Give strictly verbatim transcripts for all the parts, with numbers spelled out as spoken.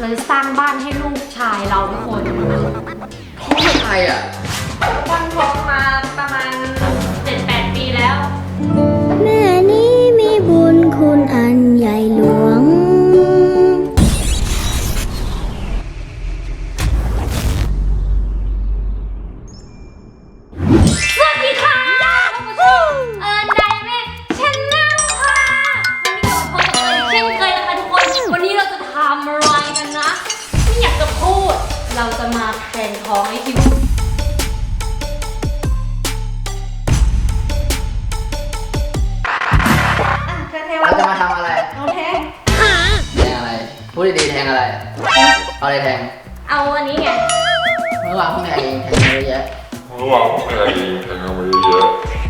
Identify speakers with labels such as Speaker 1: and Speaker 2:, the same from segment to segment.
Speaker 1: เราจะสร้างบ้านให้ลูกชายเราทุกคน
Speaker 2: ท้องเป็นใครอ่ะ
Speaker 1: ตั้งท้องมาประมาณ เจ็ดแปด ปีแล้ว
Speaker 3: แม่นี้มีบุญคุณอันใหญ่หลวง
Speaker 1: สวัสดีค่ะเอิญไดเมทชาแนลค่ะวันนี้เราพบกับเอิญเช่นเคยนะคะทุกคนวันนี้เราจะทำอะไรกันนะไม่อยากจะพูดเราจะมาแข่งท้องให้คิว
Speaker 2: เราจะมาทำอะไร
Speaker 1: เอาแทง
Speaker 2: แทงอะไรพูดดีๆแทงอะไรเอาอะไรแทง
Speaker 1: เอาอันนี้ไง
Speaker 2: เมื่อวานเพิ่งแทงเองแทงเยอะแยะ
Speaker 4: เมื่อวานเพิ่งแทงเองแทงเอาไว้เยอะ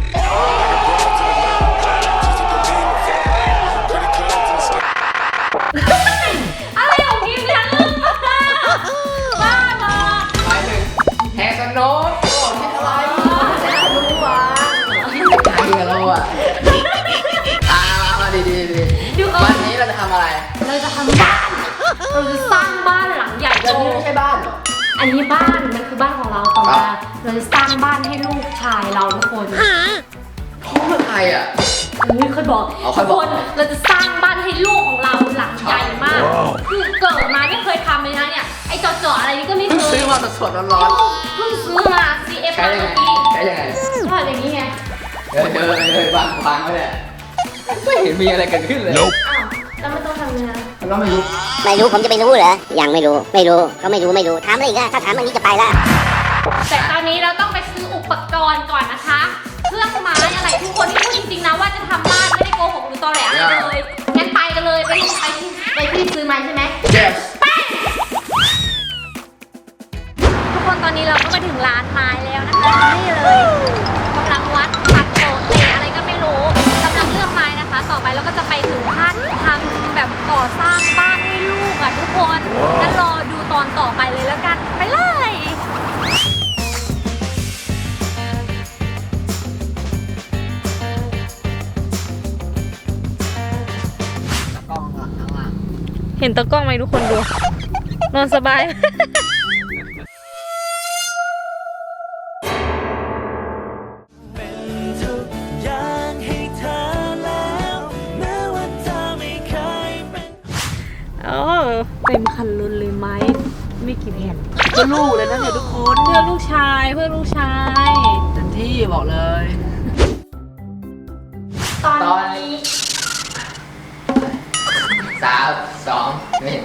Speaker 1: อะไรของพิมพ์เนี่ยลืมมากบ้าบอ
Speaker 2: หมายถึงแทงสโน้ตโอ้คิดอะไรแล้วรู้ว่าใครกันเราอ่ะอ่ามาดีดีดีวันนี้เราจะทำอะไร
Speaker 1: เราจะทำบ้านเราจะสร้างบ้านหลังใหญ่
Speaker 2: แล้วนี่ไม่ใช่บ้านเหรอ
Speaker 1: อันนี้บ้านมันคือบ้านของเราต่อมาเราจะสร้างบ้านให้ลูกชายเราทุกคน
Speaker 2: ท้องเป็นใครอ่ะ
Speaker 1: อันนี้เคยบอกทุกคนเราจะสร้างบ้านให้ลูกของเราหลังใหญ่มากคือเกิดมาไม่เคยทำเลยนะเนี่ยไอ้จอๆอะไรนี่ก็ไม่เคย
Speaker 2: ซื้อมาสดๆร้อน
Speaker 1: ๆเพิ่งซื้อมา ซี เอฟ มาเมื่อกี้
Speaker 2: ใช่ยังไง
Speaker 1: ก็อย่างนี้ไง
Speaker 2: เฮ้ยเฮ้ยเฮ้ยวางวางไว้เลยไม่เห็นมีอะไรเกิดขึ้นเลย
Speaker 1: อ้าวแล้วไม่ต้องทำยังไง
Speaker 2: เราไม่รู้
Speaker 3: ไม่รู้ผมจะไปรู้เหรอยังไม่รู้ไม่รู้ก็ไม่รู้ไม่รู้ถามอะไรอีกอะถ้าถามอันนี้จะไปละ
Speaker 1: แต่ตอนนี้เราต้องไปซื้ออุปกรณ์ก่อนนะคะเครื่องไม้อะไรทุกคนที่พูดจริงๆนะว่าจะทำบ้านไม่ได้โกหกหรือตอแหลอะไรเลยงั้นไปกันเลยไปไปที่ไปที่ซื้อไม้ใช่ไหม
Speaker 2: yes
Speaker 1: ไปทุกคนตอนนี้เราก็มาถึงร้านไม้แล้วนะคะนี่เลยกำลังวัดปักโตเตะอะไรก็ไม่รู้กำลังเลือกไม้นะคะต่อไปเราก็จะไปถึงขั้นทำแบบก่อสร้างบ้านให้ลูกอ่ะทุกคนงั้นรอดูตอนต่อไปเลยแล้วกันไปเลยเห็นตะกล้องไหมทุกคนดูนอนสบายเออเต็มคันรถเลยไหมไม่กี่แผ่น
Speaker 2: เพื่อลูกเลยนะเนี่ยทุกคน
Speaker 1: เพื่อลูกชายเพื่อลูกชาย
Speaker 2: เต็มที่บอกเลย
Speaker 1: ตอนนี้
Speaker 2: สามสองหนึ่ง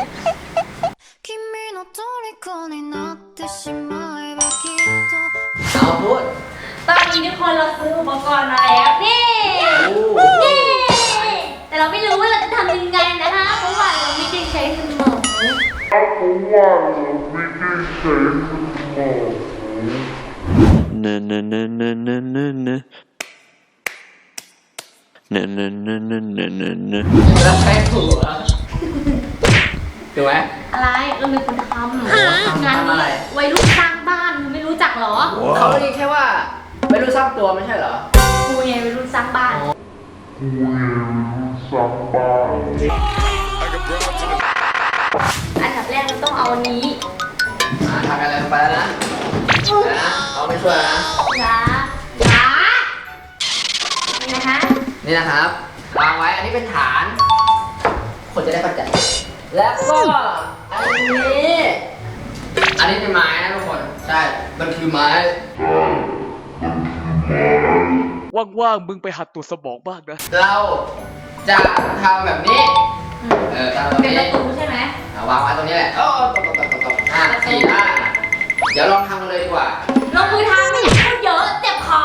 Speaker 2: เอาพูด
Speaker 1: ตอนนี้ทุกคนเราซื้ออุปกรณ์มาแล้วนี่นี่แต่เราไม่รู้ว่าเราจะทำยังไงนะคะเพราะว่าเราไม่ได้ใช้สมอง
Speaker 4: เพราะว่าเราไม่ได้ใช้สมอง
Speaker 5: เนเนเนเนเนเนเนเนเนเนเนเนเนเน
Speaker 2: แล้วใช้ถูกอ่ะถูกไหม
Speaker 1: อะไรเราเป็นคนทำงานนี้วัยรุ่นสร้างบ้านไม่รู้จักหรอ
Speaker 2: เขาเรียกแค่ว่าวัยรุ่นสร้างตัวไม่ใช่เหรอ
Speaker 1: กูไงวัยรุ่นสร้างบ้าน
Speaker 4: กูไงวัยรุ่นสร้างบ้าน
Speaker 1: อันดับแรกเราต้องเอาอันนี้
Speaker 2: ทำอะไรไปแล้วนะนะเอาไม่ช่วยนะ
Speaker 1: อย่าอย่านี่นะคะ
Speaker 2: นี่นะครับวางไว้อันนี้เป็นฐานคนจะได้เข้าใจแล้วก็อันนี้อันนี้เป็นไม้นะทุกคนใช่มันคือไม้
Speaker 5: ว่างๆมึงไปหัดตัวสมองบ้างนะ
Speaker 2: เราจะทำแบบนี้เออทำแบบนี้
Speaker 1: เป็นประตูใช่ไหม
Speaker 2: วางไว้ตรงนี้แหละโอ้ตบตบตบตบห้าสี่ห้าเดี๋ยวลองทำกันเลยดีกว่า
Speaker 1: ลงมือทำไม่อยากพูดเยอะเจ็บคอ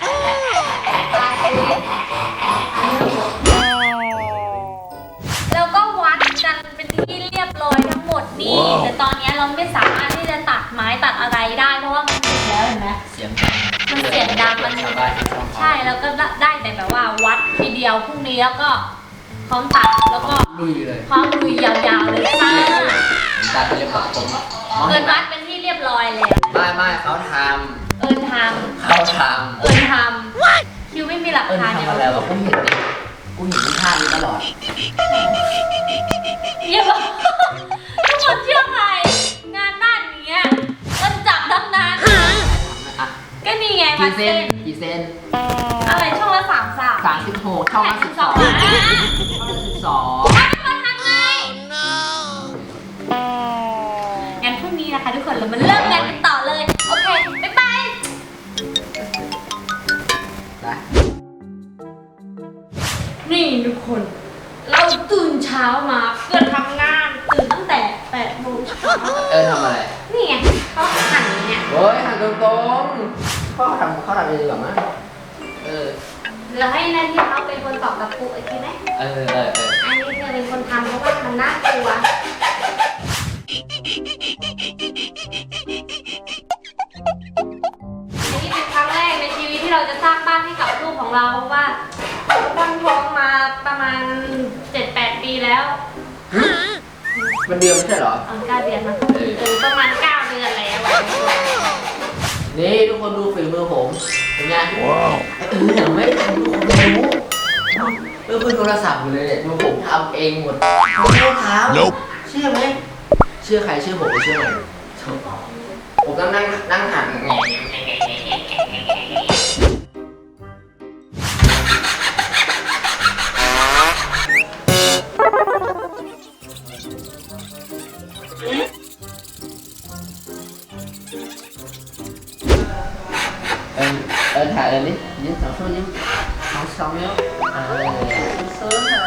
Speaker 1: แล้วก็วัดกันเป็นที่เรียบร้อยทั้งหมดนี่แต่ตอนนี้เราไม่สามารถที่จะตัดไม้ตัดอะไรได้เพราะว่ามันติดแล้วเห็นไหม
Speaker 2: เสียงดัง
Speaker 1: มันเสียงดังมันใช่แล้วก็ได้แต่แบบว่าวัดทีเดียวพรุ่งนี้แล้วก็พร้อมตัดแล้วก็
Speaker 2: ลุยเลย
Speaker 1: พร้อมลุยยาวๆเลยค่ะ
Speaker 2: ตัดไปเรียบร้อยผม
Speaker 1: เอิญวัดเป็นที่เรียบร้อยแล้ว
Speaker 2: ไม่ไม่เขาท
Speaker 1: ำเอิญท
Speaker 2: ำเขาทำ
Speaker 1: เอิญทำคิวไม่มีหลักฐาน
Speaker 2: เนี่ยแล้วกูเห็นกูเห็นท่านี้ตลอด
Speaker 1: เยี่ยมทุกคนเชื่อวั
Speaker 2: กี่
Speaker 1: ด
Speaker 2: เซ
Speaker 1: เส้
Speaker 2: น
Speaker 1: น
Speaker 2: กี่เซน
Speaker 1: อะไรช่องละสามสาม
Speaker 2: สามสิบหกช่องละสิบสองช่องละสิบสอง
Speaker 1: มันทำไงงั้นพรุ่งนี้นะคะทุกคนเรามาเริ่มงานกันต่อเลย โอเค บ๊ายบาย
Speaker 2: ไป
Speaker 1: นี่ทุกคน เราตื่นเช้ามาเพื่อทำงาน ตื่นตั้งแต่แปดโมงเช้า
Speaker 2: เออทำอะไร
Speaker 1: นี่ไงเขาหั่นเนี่ย
Speaker 2: โอ้ยหันตรงๆเขาทำเขาทำเองดีกว่ามั้งเออ
Speaker 1: เราให้นั่นที่เขาเป็นคนตอกตะปูโอเคไหม
Speaker 2: เออเออเออ
Speaker 1: อันนี้เธอเป็นคนทำเพราะว่ามันน่ากลัว อันนี้เป็นครั้งแรกในชีวิตที่เราจะสร้างบ้านให้กับลูกของเราเพราะว่าเราตั้งท้องมาประมาณ เจ็ดแปด ปีแล้ว
Speaker 2: มันเดียวไม่ใช่เหรอ
Speaker 1: เออเก้าเดือนนะ
Speaker 2: เออ
Speaker 1: เออประมาณเก้าเดือนแล้ว
Speaker 2: นี่ทุกคนดูฝีมือผมเป็นไงว้าวเอออย่างไม่ทำทุกคนไม่รู้เออเพื่อนโทรศัพท์อยู่เลยเนี่ยดูผมทำเองหมดผมไม่ได้ทำเชื่อไหมเชื่อใครเชื่อผมหรือเชื่อใครผมต้องนั่งนั่งหันแงเออเออถ่ายเลยดิยิ้มสองช่วยิ้มสองสองนิ้วเออสู้ๆเถอะ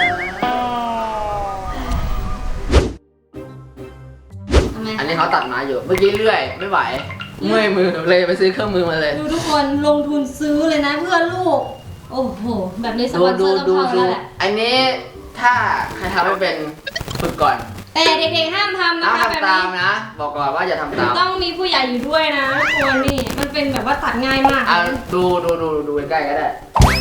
Speaker 1: ทำไม
Speaker 2: อันนี้เขาตัดไม้อยู่เมื่อกี้เลื่อยไม่ไหวเมื่อยมือเลยไปซื้อเครื่องมือมาเลย
Speaker 1: ดูทุกคนลงทุนซื้อเลยนะเพื่อลูก โอ้โห แบบนี้ส
Speaker 2: ดู
Speaker 1: ปอนเซ
Speaker 2: ดู
Speaker 1: อร์ต้อง
Speaker 2: ดู
Speaker 1: เข้า
Speaker 2: ดู
Speaker 1: แล้วแหละ
Speaker 2: อันนี้ถ้าใครทำไม่เป็นฝึกก่อน
Speaker 1: แต่เด็กๆห้ามทำนะ
Speaker 2: ห้าม
Speaker 1: คะแบบ
Speaker 2: ทำตาม
Speaker 1: นี้
Speaker 2: นะ บอกก่อนว่าอย่าทำตาม
Speaker 1: ต้องมีผู้ใหญ่อยู่ด้วยนะตัวนี่มันเป็นแบบว่าตัดง่ายมาก
Speaker 2: อ่ะดูดูดูดูใกล้ๆก็ได้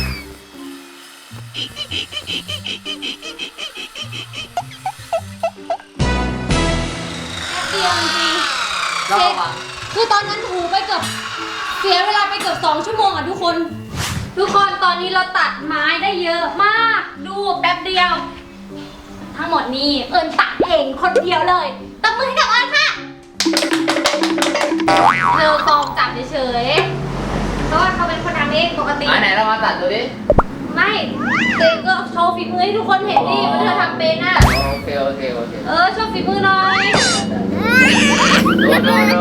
Speaker 1: เตียงจริง
Speaker 2: ก็ระวัง
Speaker 1: คือตอนนั้นถูไปเกือบเสียเวลาไปเกือบสองชั่วโมงอ่ะทุกคน ทุกคนตอนนี้เราตัดไม้ได้เยอะมาก ดูแป๊บเดียว ทั้งหมดนี้เอิญตัดเองคนเดียวเลยตบมือให้กับเอิญค่ะเธอกองจับเฉยๆเพราะว่าเขาเป็นคนทำเองปกติ
Speaker 2: ไหนไหนเรามาตัดดูดิ
Speaker 1: ไม่เตงก็โชว์ฝีมือให้ทุกคนเห็นดิว่าเธอทำเป็นอ่ะ
Speaker 2: โอเคโอเคโอเค
Speaker 1: เออโชว์ฝีมือหน่อย
Speaker 2: ดูดูดู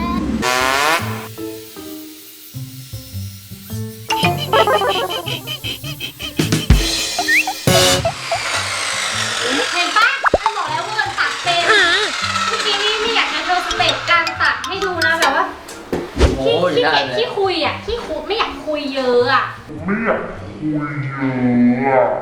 Speaker 1: เห็นปะฉันบอกแล้วว่ามันตัดเป็นเมื่อกี้นี่ไม่อยากจะโชว์สเต็ปการตัดให้ดูนะแบบว่า
Speaker 2: โอ้
Speaker 1: ขี้
Speaker 2: ย
Speaker 1: ขี้
Speaker 2: ได้
Speaker 1: เกียจ
Speaker 2: เลย
Speaker 1: ขี้คุยอ่ะขี้คุยไม่อยากคุยเยอะอ่ะ
Speaker 4: ไม่อยากคุยเยอะอะ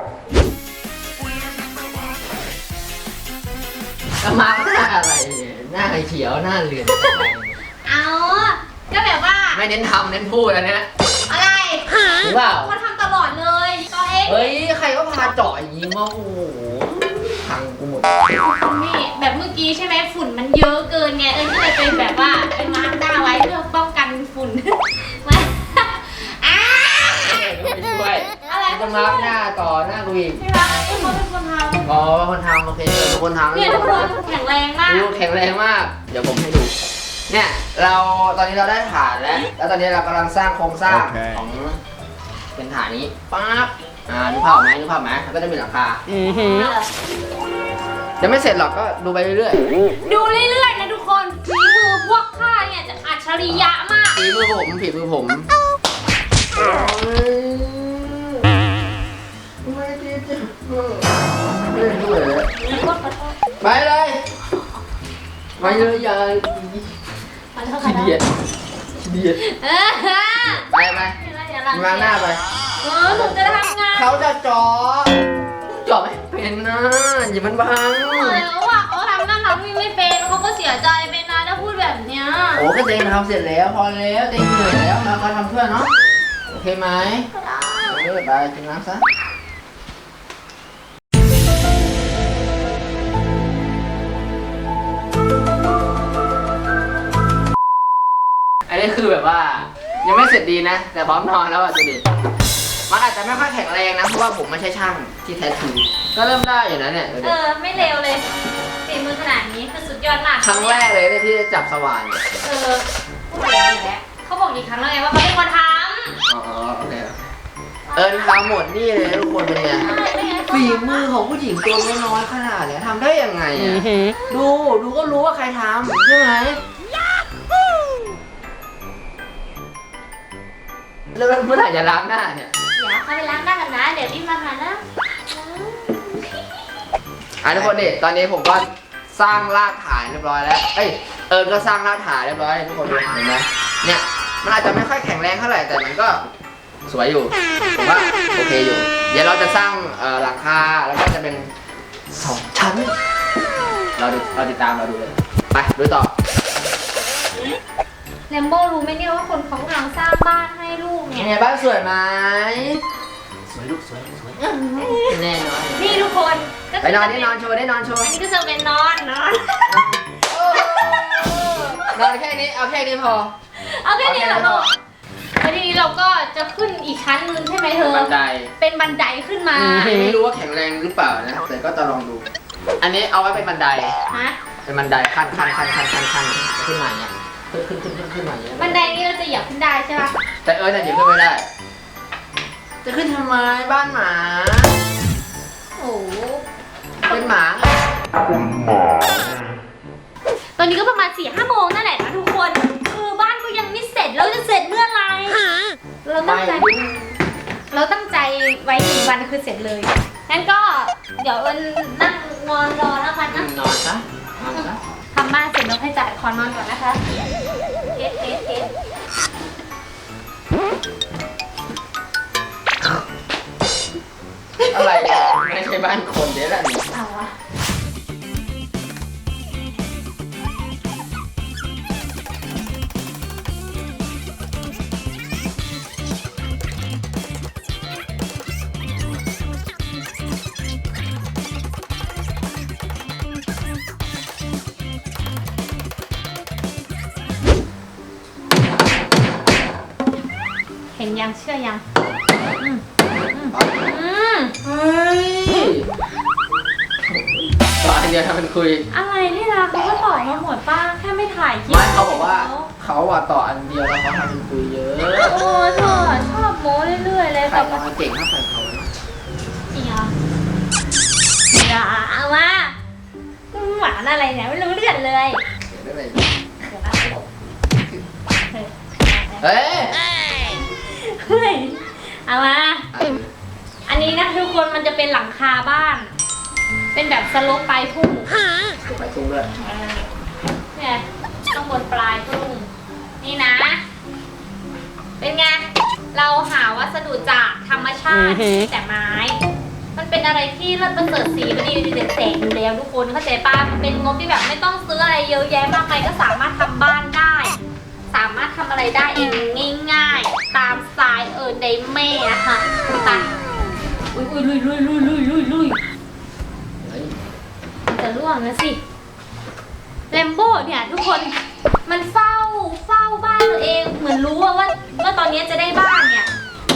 Speaker 2: จะมาหน้าอะไรเนี่ยหน้าเขียวหน้าเหลือง
Speaker 1: เอาก็แบบว่า
Speaker 2: ไม่เน้นทำเน้นพูดอันเนี้ย
Speaker 1: อะไร
Speaker 2: หรือเปล่า
Speaker 1: เขาทำตลอดเลยตัวเอง
Speaker 2: เฮ้ยใครก็พาเจาะอย่างนี้มาโอ้โหพังกูหมด
Speaker 1: นี่แบบเมื่อกี้ใช่ไหมฝุ่นมันเยอะเกินไงเอิญก็เลยเป็นแบบว่าเป็นมาร์กหน้าไว้เพื่อป้องกันฝุ่น มาอ้า
Speaker 2: ไม่ช่วย
Speaker 1: อะไร
Speaker 2: จะมาร์กหน้าต่อหน้ากูอีก
Speaker 1: ใช่ปะเอ้ยเขาเป็นคนทำ
Speaker 2: อ๋อคนทำโอเคเออคนทำ
Speaker 1: เนี่ยทุกคนแข็งแรงมาก
Speaker 2: ดูแข็งแรงมาก เดี๋ยวผมให้ดู เนี่ยเราตอนนี้เราได้ฐานแล้ว แล้วตอนนี้เรากำลังสร้างโครงสร้าง
Speaker 5: โอเค
Speaker 2: ของเป็นฐานนี้ปั๊บอ่านึกภาพออกไหมนึกภาพไหมมันก็จะมีหลังคายังไม่เสร็จหรอกก็ดูไปเรื่อย
Speaker 1: ดูเรื่อยๆนะทุกคนฝีมือพวกข้าเนี่ยจะอัจฉริยะมาก
Speaker 2: ๆฝีมือผมฝีมือผมไม่ได้จะไม่ได้ด้วยเลยไปเลยไปเลยอย่า
Speaker 1: ขอโทษ
Speaker 2: ขี้
Speaker 1: ค่ะ
Speaker 2: เดียดขี้เดียด
Speaker 1: เออ
Speaker 2: ไปไป
Speaker 1: เดี๋ยวหลัง
Speaker 2: มาหน้าไป
Speaker 1: เออหนูจะทำงาน
Speaker 2: เขาจะเจาะเจาะไม่เป็นนะอย่ามันบัง
Speaker 1: เออเขาว่าเขาทำนั่นทำนี่ไม่เป็นเขาก็เสียใจไปนะถ้าพูดแบบเนี้ย
Speaker 2: โอ้ก็เต็งทำเสร็จแล้วพอแล้วเต็งเหนื่อยแล้วเราก็ทำเพื่อนเนาะโอเคไหม
Speaker 1: ก็ได้
Speaker 2: เออไปกินน้ำซะอันนี้คือแบบว่า ยังไม่เสร็จดีนะ แต่พร้อมนอนแล้วอ่ะดูดิมันอาจจะไม่ค่อยแข็งแรงนะเพราะว่าผมไม่ใช่ช่างที่แท้ทรูก็เริ่มได้อยู่นะเนี่ยดู
Speaker 1: เอ
Speaker 2: ดิ
Speaker 1: อไม่เลวเลยฝีมือขนาดนี้คือสุดยอดมาก
Speaker 2: ครั้งแรกเลยเนี่ยที่จะจับสว่านเนี่ย
Speaker 1: เออพูดอย่างนี้แหละเขาบอกอีกครั้งแล้วไงว่าเขาเป็นคนท
Speaker 2: อ๋อโอเคเอิญทำหมดนี่เลยทุกคนเป็นไงฝีมือของผู้หญิงตัวน้อยๆขนาดเนี้ยทำได้ยังไงอ่ะดูดูก็รู้ว่าใครทำใช่ไหมแล้วเมื่อไหร่จะล้างหน้าเนี่ย
Speaker 1: เดี๋ยวเขาไปล้างหน้ากันนะ เดี๋ยวรีบมาหานะ
Speaker 2: อ่ะทุกคนนี่ตอนนี้ผมก็สร้างรากฐานเรียบร้อยแล้วเอ้ยเอิญก็สร้างรากฐานเรียบร้อยทุกคนดูเห็นไหมเนี่ยมันอาจจะไม่ค่อยแข็งแรงเท่าไหร่แต่มันก็สวยอยู่ผมว่าโอเคอยู่เดี๋ยวเราจะสร้างเอ่อหลังคาแล้วก็จะเป็นสองชั้นเราดูเราติดตามเราดูเลยไปดูต่อ
Speaker 1: แลมโบรู้ไหมเนี่ยว่าคนเขากำลังสร้างบ้านให้ลูก
Speaker 2: เป็
Speaker 1: เนี่
Speaker 2: น
Speaker 1: ย
Speaker 2: ไงบ้านสวยไหมสวยลูกสวยสวยแน่นอน
Speaker 1: นี่ทุกคนก็
Speaker 2: ไปนอนได้นอนโชว์ได้นอนโชว์
Speaker 1: อันนี้ก็จะเป็นนอนนอน
Speaker 2: นอนแค่นี้เอาแค่นี้พอ
Speaker 1: เอาแค่นี้เหรอลูกแล้วทีนี้เราก็จะขึ้นอีกชั้นนึงใช่ไหมเธอ
Speaker 2: บันได
Speaker 1: เป็นบันไดขึ้นมา
Speaker 2: ไม่รู้ว่าแข็งแรงหรือเปล่านะแต่ก็จะลองดู อันนี้เอาไว้เป็นบันได
Speaker 1: ฮะ
Speaker 2: เป็นบันไดขั้นขั้นขั้นขั้นขั้นขั้นขึ้นมาเนี่ยขึ้นขึ้นขึ้นขึ้นขึ้นมาเนี่ย
Speaker 1: บันไดนี้เราจะเหยียบขึ้นได้ใช่ปะ
Speaker 2: แต่เอิร์ธเนี่ยขึ้นไม่ได้ จะขึ้นทำไมบ้านหมา
Speaker 1: โอ้โห
Speaker 2: เป็นหมาไง
Speaker 1: ตอนนี้ก็ประมาณสี่ห้าโมงนั่นแหละนะทุกคนคือบ้านก็ยังไม่เสร็จเราจะเสร็จเมื่อไหร่เราตั้งใจเราตั้งใจไว้หนึ่งวันคือเสร็จเลยงั้นก็เดี๋ยวเอิญนั่งนอนรอแล้วกันนะ
Speaker 2: นอนซะนอนซะ
Speaker 1: ทำบ้านเสร็จแล้วให้จ่ายขอนอนก่อนนะคะเทสเทสเทส
Speaker 2: อะไรเนี่ยไม่ใช่บ้านคนเดี๋ยวแหละนี่
Speaker 1: เอาวะเห็นยังเชื่อยังอืมอืม
Speaker 2: เฮ้ยตอนเดียวทำเป็นคุย
Speaker 1: อะไรนี่ล่ะเขาก็ต่อมาหมดป้าแค่ไม่ถ่ายคลิป
Speaker 2: ไม่เขาบอกว่าเขาอะต่ออันเดียวแล้วเขาทำเป็นคุยเยอะ
Speaker 1: โอ้เธอชอบโม้เรื่อยๆเลย
Speaker 2: ใคร
Speaker 1: แบบ
Speaker 2: ทำมาเก่งเท่าใครเขานะ
Speaker 1: จริงเหรออย่าเอามาหวานอะไรเนี่ยไม่รู้เรื่องเลย
Speaker 2: เดี๋ยวได้เลย
Speaker 1: เดี๋ยวนะเฮ้ย
Speaker 2: เฮ้ย
Speaker 1: เฮ้ยเอามา
Speaker 2: อ่ะ
Speaker 1: อันนี้นะทุกคนมันจะเป็นหลังคาบ้าน เป็นแบบสโลปปลายพุ่ง
Speaker 2: ถูกไปทุ่งด้วย
Speaker 1: เนี่ยข้างบนปลายพุ่งนี่นะ เป็นไง เราหาวัสดุจากธรรมชาติแต่ไม้ มันเป็นอะไรที่เลิศประเสริฐสีประดิษฐ์เด็ดแสงอยู่แล้วทุกคนเข้าใจป่ะมันเป็นงบที่แบบไม่ต้องซื้ออะไรเยอะแยะมากมายก็สามารถทำบ้านได้ สามารถทำอะไรได้เองง่ายๆ ตามสไตล์เออในแม่อะค่ะไปอุ้ยอุ้ยลุยลุยลุยลุยลุยลุย
Speaker 2: เฮ้ย
Speaker 1: มันจะร่วงนะสิแลมโบ้เนี่ยทุกคนมันเฝ้าเฝ้าบ้านตัวเองเหมือนรู้ว่าว่าว่าตอนนี้จะได้บ้านเนี่ย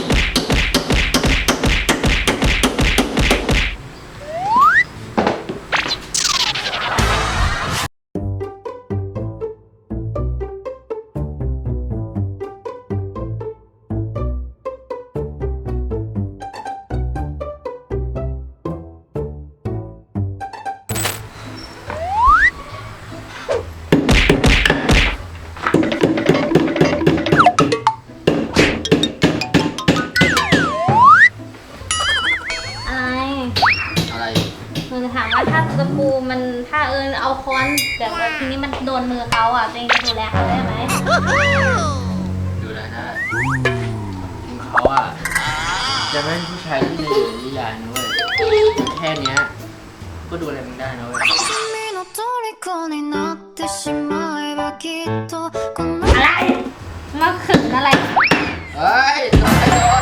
Speaker 1: อะไร
Speaker 2: อะไร
Speaker 1: มึงถามว่าถ้าตะปูมันถ้าเอิญเอาค้อนแบบว่าทีนี้มันโดนมือเขาอ่ะตัวเองจะดูแลเขาได้ไหม
Speaker 2: ดูแลได้เขาอะจะไม่ใช่ผู้ชายที่ในอยู่ในนิยายนะเว้ยแค่เนี้ยก็ดูแลมึงได้นะเว้ย
Speaker 6: 君の虜になってしまえばきっとこの
Speaker 1: อะไรมาขึงอะไร
Speaker 2: เฮ้ยโดนโดน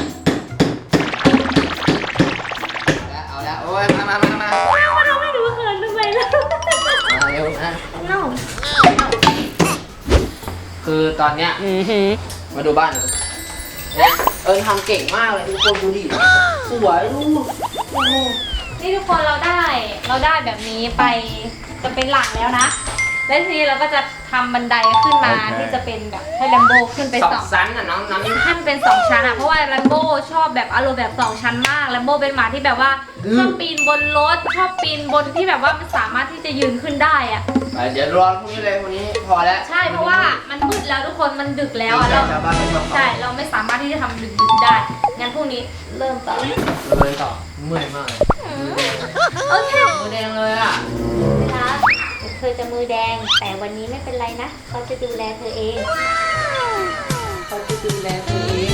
Speaker 2: เอาละเอาละโอ้ยมามามามา
Speaker 1: ว่าเราไม่รู้เขินทำไมล่ะ
Speaker 2: มาเร็วนะ
Speaker 1: น้อง
Speaker 2: คือตอนเนี้ยมาดูบ้านเนี่ยเอิญทำเก่งมากเลยทุกคนดูดิสวยลูก
Speaker 1: โอ้โหนี่ทุกคนเราได้เราได้แบบนี้ไปจะเป็นหลังแล้วนะแล้วทีนี้เราก็จะทำบันไดขึ้นมาที่จะเป็นแบบให้แลมโบขึ้นไป
Speaker 2: สอ
Speaker 1: สอง ง
Speaker 2: ชั้นอ่ะน้องน้อง
Speaker 1: ให้มันเป็นสองชั้นอ่ะเพราะว่าแลมโบชอบแบบอารมณ์แบบสองชั้นมากแลมโบเป็นหมาที่แบบว่าชอบปีนบนรถชอบปีนบนที่แบบว่ามันสามารถที่จะยืนขึ้นได้อ่ะ
Speaker 2: เดี๋ยวรอพรุ่งนี้เลยพรุ่งนี้พอแล้ว
Speaker 1: ใช่เพราะว่ามันมืดแล้วทุกคนมันดึกแล้วอ่ะเรา
Speaker 2: ชาวบ้านไม่ชอบ
Speaker 1: ใช่เราไม่สามารถที่จะทำดึกๆได้งั้นพรุ่งนี้เริ่มต่อ
Speaker 2: เลยต่อเมื่อยมากเลย
Speaker 1: โอเค
Speaker 2: มือแดงเลยอ่ะ
Speaker 1: นะคะเธอจะมือแดงแต่วันนี้ไม่เป็นไรนะเขาจะดูแลเธอเองเขาจะดูแลเธอเอง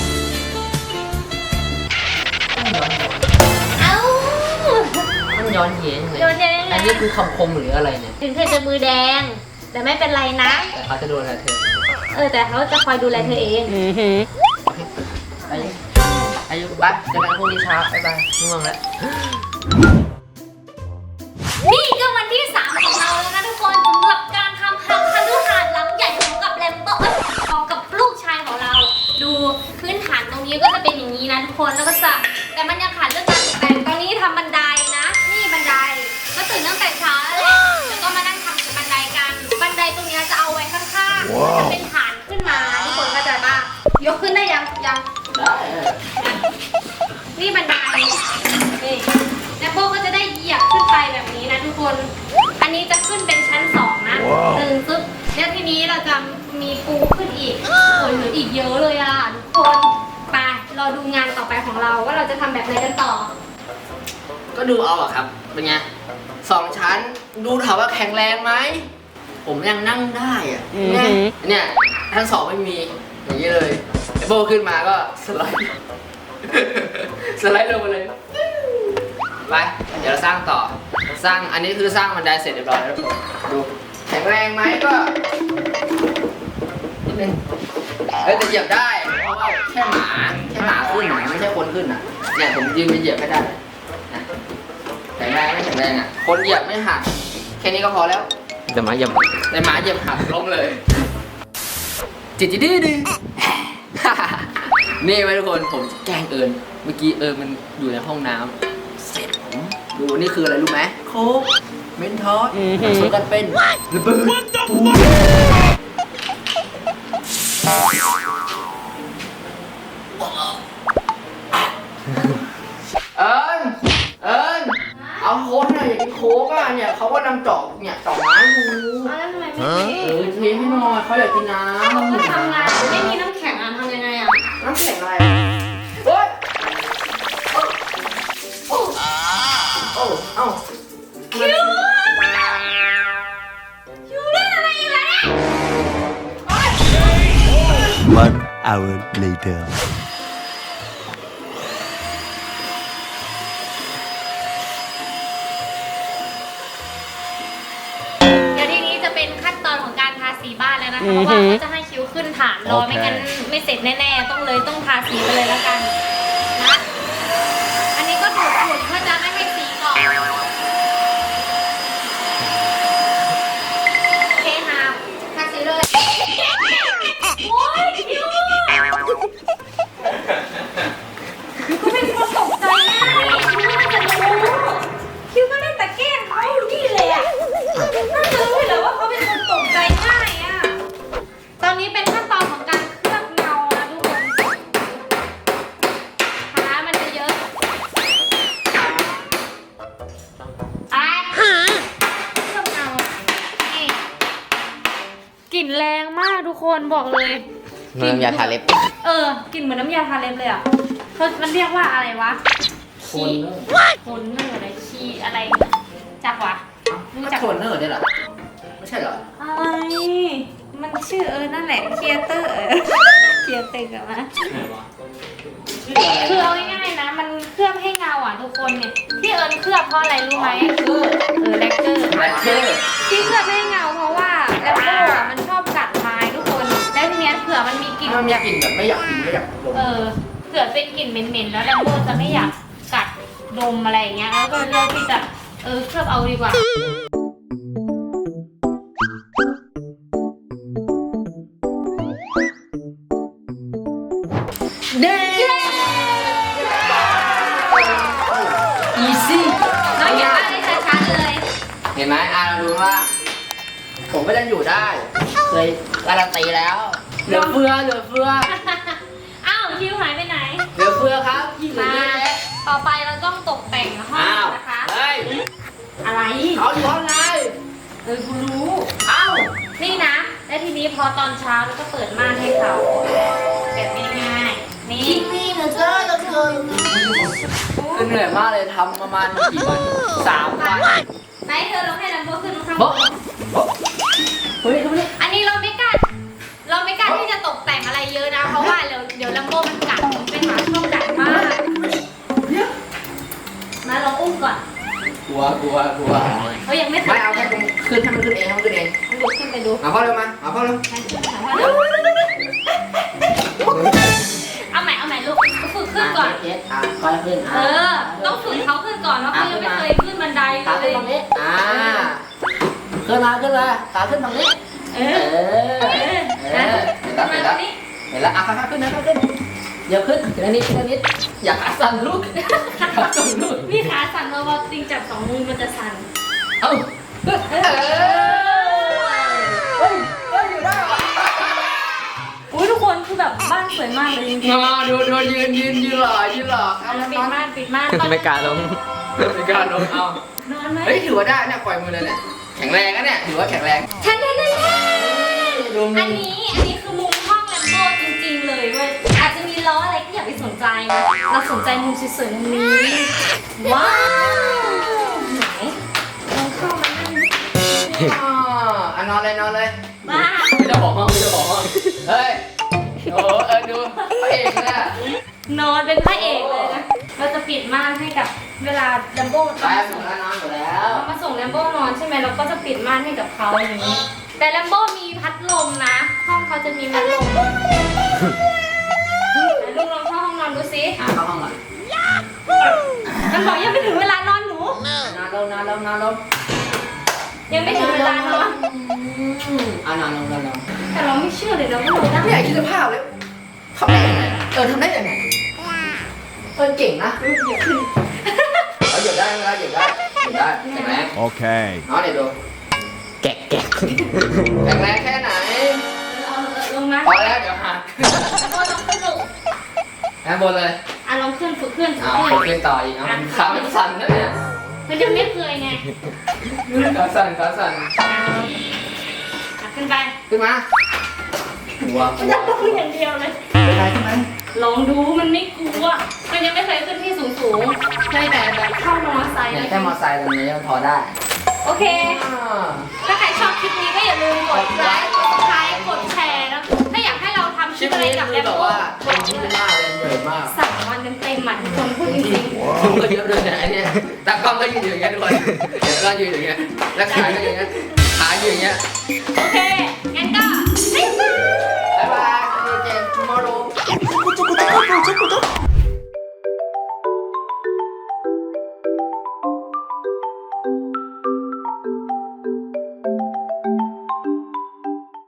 Speaker 1: เอ้า
Speaker 2: มันย้อนเย็นเลย
Speaker 1: โดนแดง
Speaker 2: อันนี้คือคำคมหรืออะไรเนี่ย
Speaker 1: ถึงเธอจะมือแดง แต่ไม่เป็นไรนะ
Speaker 2: แต่เขาจะโดนอะไรเธอ
Speaker 1: เออแต่เขาจะคอยดูแลเธอเอง
Speaker 2: อายุอายุไปเจอกันพรุ่งนี้เช้าบ๊ายบายง่วงแล้ว
Speaker 1: นี่ก็วันที่สามของเราแล้วนะทุกคนสำหรับการทำหักคฤหาสน์หลังใหญ่ของกับแลมโบ้เอ้ยของกับลูกชายของเรา ดูพื้นฐานตรงนี้ก็จะเป็นอย่างนี้นะทุกคนแล้วก็จะแต่มันยังขาดเรื่องการตกแต่งตอนนี้ทำบันไดนะ นี่บันไดก็ตื่นตั้งแต่เช้าแล้วแหละแล้วก็มานั่งทำบันไดกันบันไดตรงนี้จะเอาไว้ข้างๆจะเป็นฐานขึ้นมาทุกคนเข้าใจป่ะยกขึ้นได้ยังยัง
Speaker 2: ได้
Speaker 1: นี่บันไดนี่แล้วโบก็จะได้เหยียบขึ้นไปแบบนี้นะทุกคน อันนี้จะขึ้นเป็นชั้นสองนะตึงปึ๊บแล้วทีนี้เราจะมีปูขึ้นอีกโอ้ยเหลืออีกเยอะเลยอ่ะทุกคนไปรอดูงานต่อไปของเราว่าเราจะทำแบบไหนกันต่อ
Speaker 2: ก็ดูเอาอะครับ เป็นไงสองชั้น ดูถามว่าแข็งแรงไหม ผมยังนั่งได้อะเนี่ยเนี่ยชั้นสองไม่มี อย่างนี้เลยไอโบขึ้นมาก็สไลด์ สไลด์ลงมาเลย ไป เดี๋ยวเราสร้างต่อ สร้าง อันนี้คือสร้างบันไดเสร็จเรียบร้อยแล้วทุกคนดู แข็งแรงไหมก็นิดนึงเฮ้ยแต่เหยียบได้ เพราะว่าแค่หมา แค่หมาขึ้นนะไม่ใช่คนขึ้นอ่ะ เนี่ยผมยืนไปเหยียบไม่ได้นะแข็งแรงไม่แข็งแรงอ่ะ คนเหยียบไม่หัก แค่นี้ก็พอแล้ว
Speaker 5: แต่หมาเหยียบ
Speaker 2: แต่หมาเหยียบหักล้มเลย จิตจิดื้อดื้อ นี่ไว้ทุกคน ผมจะแกล้งเอิญเมื่อกี้เอิญมันอยู่ในห้องน้ำเสร็จผมดูนี่คืออะไรรู้ไหมโค้กเมนทอสผสมกันเป็นระเบิดปูเอิญเอิญเอาโค้กหน่อยอยากกินโค้กอ่ะเนี่ยเขาก็นำจอกเนี่ยจอกไม้ดู
Speaker 1: แล้วทำไมไม่
Speaker 2: เออเทให้หน่อยเขาอยากกินน้ำ
Speaker 1: เราก็ทำงานไม่มีน้ำแข็งอ่ะทำยังไงอ่ะ
Speaker 2: น้ำแข็งอะไรโอ๊ยโอ้โอ้เอ้า
Speaker 1: คิวคิวเล่นอะไรอีกแล้วเนี่ย
Speaker 5: One hour later
Speaker 1: เดี๋ยวทีนี้จะเป็นขั้นตอนของการทาสีบ้านแล้วนะคะเพราะว่าเขาจะให้คิวขึ้นฐานรอไม่งั้นไม่เสร็จแน่ๆต้องเลยต้องทาสีไปเลยแล้วกันนะอันนี้ก็ดูดฝุ่นเพื่อจะไม่ให้สีเกาะโอเคค่ะทาสีเลยโอ้ยคิวก็เป็นคนตกใจง่ายคิวน่าจะรู้คิวก็เล่นแต่แกล้งเขาอยู่นี่เลยอ่ะน่าจะรู้อยู่แล้วว่าเขาเป็นคนตกใจง่ายอ่ะตอนนี้เป็นขั้นตอนของการเคลือบเงานะทุกคนขามันจะเยอะไอ้เคลือบเงานี่กลิ่นแรงมากทุกคนบอกเลย
Speaker 2: น้ำยาทาเล็บ
Speaker 1: เออกลิ่นเหมือนน้ำยาทาเล็บเลยอ่ะเขามันเรียกว่าอะไรวะ
Speaker 2: โคนเนอร์
Speaker 1: โคนเนอร์อะไรชีอะไรจักวะรู้
Speaker 2: ก็
Speaker 1: จัก
Speaker 2: โคนเนอร์เนี่ยเหรอ ไม่ใช่เหรอ
Speaker 1: อะไรมันชื่อเออนั่นแหละเคียเตอร์เออเคียเตอร์กับมาคือเอาง่ายๆนะ มันเคลือบให้เงาอ่ะทุกคนเนี่ยที่เอิญเคลือบเพราะอะไรรู้ไหมเออแลกเกอร์
Speaker 2: แบล็คเกอร์
Speaker 1: ที่เคลือบให้เงาเพราะว่าแลกเกอร์อ่ะมันชอบกัดไม้ทุกคนแล้วทีเนี้ยเผื่อมันมีกลิ่น
Speaker 2: มันมีกลิ่นแบบไม่อยากกินไม่อยากดม
Speaker 1: เออเผื่อเป็นกลิ่นเหม็นๆแล้วแลมโบจะไม่อยากกัดดมอะไรอย่างเงี้ยแล้วก็เลือกที่จะเออเคลือบเอาดีกว่าเด้อีซี่น้องอยากได้ช้าๆเลย
Speaker 2: เห็นไหมอ่ะเราดูว่าโคผมก็ยังอยู่ได้ เคยการันตีแล้ว เหลือเฟือเหลือเฟือ
Speaker 1: อ้าวคิวหายไปไหน
Speaker 2: เหลือเฟือครับที่เหลือ
Speaker 1: มา
Speaker 2: เยอะแยะ
Speaker 1: ต่อไปเราต้องตกแต่งห้อง
Speaker 2: อ้าว
Speaker 1: นะคะ
Speaker 2: เฮ้ย
Speaker 1: อะไร
Speaker 2: เขาอยู่ห้องไหน
Speaker 1: เออกูรู้
Speaker 2: เอ้า
Speaker 1: นี่นะ แล้วทีนี้พอตอนเช้าเราก็เปิดม่านให้เขาแบบง่ายๆนี่นี่นะเจ้าเราเธอ
Speaker 2: คือเหนื่อยมากเลยทำประมาณกี่วันสามวัน
Speaker 1: ไหนเธอลองให้ลัมโบขึ้นข้างบ
Speaker 2: โบ๊ะ
Speaker 1: น
Speaker 2: โบ๊ะเฮ้ยเขาไม่ได้
Speaker 1: อันนี้เราไม่กล้าเราไม่กล้าที่จะตกแต่งอะไรเยอะนะ เพราะว่าเดี๋ยวเดี๋ยวลัมโบมันกัดไปหาช่องกัดมากมาลองอุ้มก่อน
Speaker 2: กลัวกลัวกลัว
Speaker 1: เขายังไม่
Speaker 2: ไม่เอาแค่ตรงขึ้นให้มันขึ้นเองให้มันขึ้นเอง
Speaker 1: ลุกขึ้นไปดู
Speaker 2: มาพ่อเร็วมามาพ่อเร็ว
Speaker 1: ให้ขึ้นถามว่าเร็วเอาใหม่เอาใหม่ลูกฝึกขึ้นก่อน
Speaker 2: เจ็ดอ่ะค่อยขึ้น
Speaker 1: เออ ต้องฝึกเขาขึ้นก่อนเพราะเขายังไม่เคยขึ้นบันได
Speaker 2: ขา
Speaker 1: เล
Speaker 2: ขึ้น
Speaker 1: ย
Speaker 2: ตรงนี้อ่าขึ้นมาขึ้นมาขาขึ้นตรงนี้
Speaker 1: เอ
Speaker 2: เอ
Speaker 1: อ
Speaker 2: อ
Speaker 1: เออ
Speaker 2: เอ
Speaker 1: นะ
Speaker 2: อเห็นแล้ว
Speaker 1: มา
Speaker 2: เห็น
Speaker 1: ตร
Speaker 2: แล้ว
Speaker 1: งนี้
Speaker 2: เห็นแล้วอ่ะค่อยๆขึ้นนะค่อยๆขึ้นเดี๋ยวขึ้นทีละนิดทีละนิดอย่าขาสั่นลูกขาสั่นลูก
Speaker 1: นี่ขาสั่นเราพอจริงจับสองมือมันจะสั่น
Speaker 2: เอ้าเออเฮ้ยเฮ้ยอยู่ได้เหรอ
Speaker 1: อุ้ยทุกคนคือแบบบ้านสวยมากเลยจริง
Speaker 2: มาดูดูยืนยืนยืนหล่อยืนหล่อ
Speaker 1: ๆอ่ะแล้วปิดม่านปิดม่าน
Speaker 2: ไม่กล้าลงไม่กล้าลงเอา
Speaker 1: นอนไหม
Speaker 2: เฮ้ยถือว่าได้เนี่ยปล่อยมือเลยเนี่ยแข็งแรงนะเนี่ยถือว่าแข็งแรง
Speaker 1: ฉันได้ได้
Speaker 2: ดูมื
Speaker 1: อั
Speaker 2: อน
Speaker 1: นี้อันนี้คือมุมห้องแลมโบ้จริงๆเลยเว้ยอาจจะมีล้ออะไรก็อย่าไปสนใจนะเราสนใจมุมสวยๆมุมนี้ว้าวไหนลองเข้ามานั่ง
Speaker 2: อ๋ออ่ะนอนเลยนอนเลย
Speaker 1: บ้า
Speaker 2: ไม่จะบอกห้องไม่จะบอกห้องเฮ้ยโอ้เออดูพระเอกเลยอะ
Speaker 1: นอนเป็นพระเอกเลยนะเราจะปิดม่านให้กับเวลาแลมโบ้
Speaker 2: ไปหมดแล้วนอนหมดแล้ว
Speaker 1: เขามาส่งแลมโบ้นอนใช่ไหมเราก็จะปิดม่านให้กับเขาอย่างนี้ แต่แลมโบ้มีพัดลมนะ ห้องเขาจะมีพัดลมไหนลูกลองเข้าห้องนอนดูสิ
Speaker 2: อ่ะเข้าห้องก่อน
Speaker 1: มันบอกยังไม่ถึงเวลานอนหนู
Speaker 2: นอนลงนอนลงนอนลง
Speaker 1: ยังไม่ถึงเวลานอน
Speaker 2: อืมอ่ะนอนลงนอนลง
Speaker 1: แต่เราไม่เชื่อเลยนะว่าเราได้
Speaker 2: ไม่อยากคิดสภาพเลยทำได้ยังไงเออทำได้ยังไงเออเก่งนะเอาหยุดได้ไหมหยุดได้หยุดได้แข็งแรง
Speaker 5: Okay.
Speaker 2: นอนเดี๋ยวดูแกะแกะแข็งแรงแค่ไหน
Speaker 1: เอาลงนะ
Speaker 2: พอแล้วเดี๋ยวหัก
Speaker 1: แลมโบ้ลองขึ้นลูก
Speaker 2: แอนบนเลย
Speaker 1: อ่ะลองขึ้นฝึกขึ้นฝึ
Speaker 2: อ้าก ว
Speaker 1: ขึ้น
Speaker 2: ขึ้นต่ออีกเอาขามันสั่นนะเนี่ย
Speaker 1: มันยังไม่เคยไง
Speaker 2: ขาสั่นขาสั่น
Speaker 1: อ่ะขึ้นไป
Speaker 2: ขึ้นมาหัว
Speaker 1: มันจะต้องอย่างเดียวเลย
Speaker 2: เป็นไรใช่ไหม
Speaker 1: ลองดูมันไม่กลัว มันยังไม่เคยขึ้นที่สูงสูงๆเคยแต่แบบเข้ามอไซค์
Speaker 2: เนี่ยแค่มอไซค์ตรงนี้มันพอได้
Speaker 1: โอเค
Speaker 2: อ่า
Speaker 1: ถ้าใครชอบคลิปนี้ก็อย่าลืมกดไลค์ กดซับสไครต์กดแชร์นะถ้าอยากให้เราทำค
Speaker 2: ค
Speaker 1: ลิ
Speaker 2: ลิ
Speaker 1: ป
Speaker 2: ป
Speaker 1: อะไร
Speaker 2: นี้
Speaker 1: กับ
Speaker 2: คื
Speaker 1: แอ
Speaker 2: อ
Speaker 1: ม
Speaker 2: แบบ
Speaker 1: โบ้
Speaker 2: ว่า
Speaker 1: บ
Speaker 2: เป็
Speaker 1: อน ก
Speaker 2: ที่
Speaker 1: เล
Speaker 2: ไม่
Speaker 1: ย
Speaker 2: มากเลยเหนื่อยมาก
Speaker 1: สามวันเต็มๆหมันทุกคนพูดจริง
Speaker 2: ผมก็เยอะเลยนะไอ้เนี่ยตากล้องก็ยืนอยู่อย่างเงี้ยทุกคนเดี๋ยวก็ยืนอย่างเงี้ยแล้วขาก็อย่างเงี้ยขาอยู่อย่างเงี้ย
Speaker 1: ๆ โอเค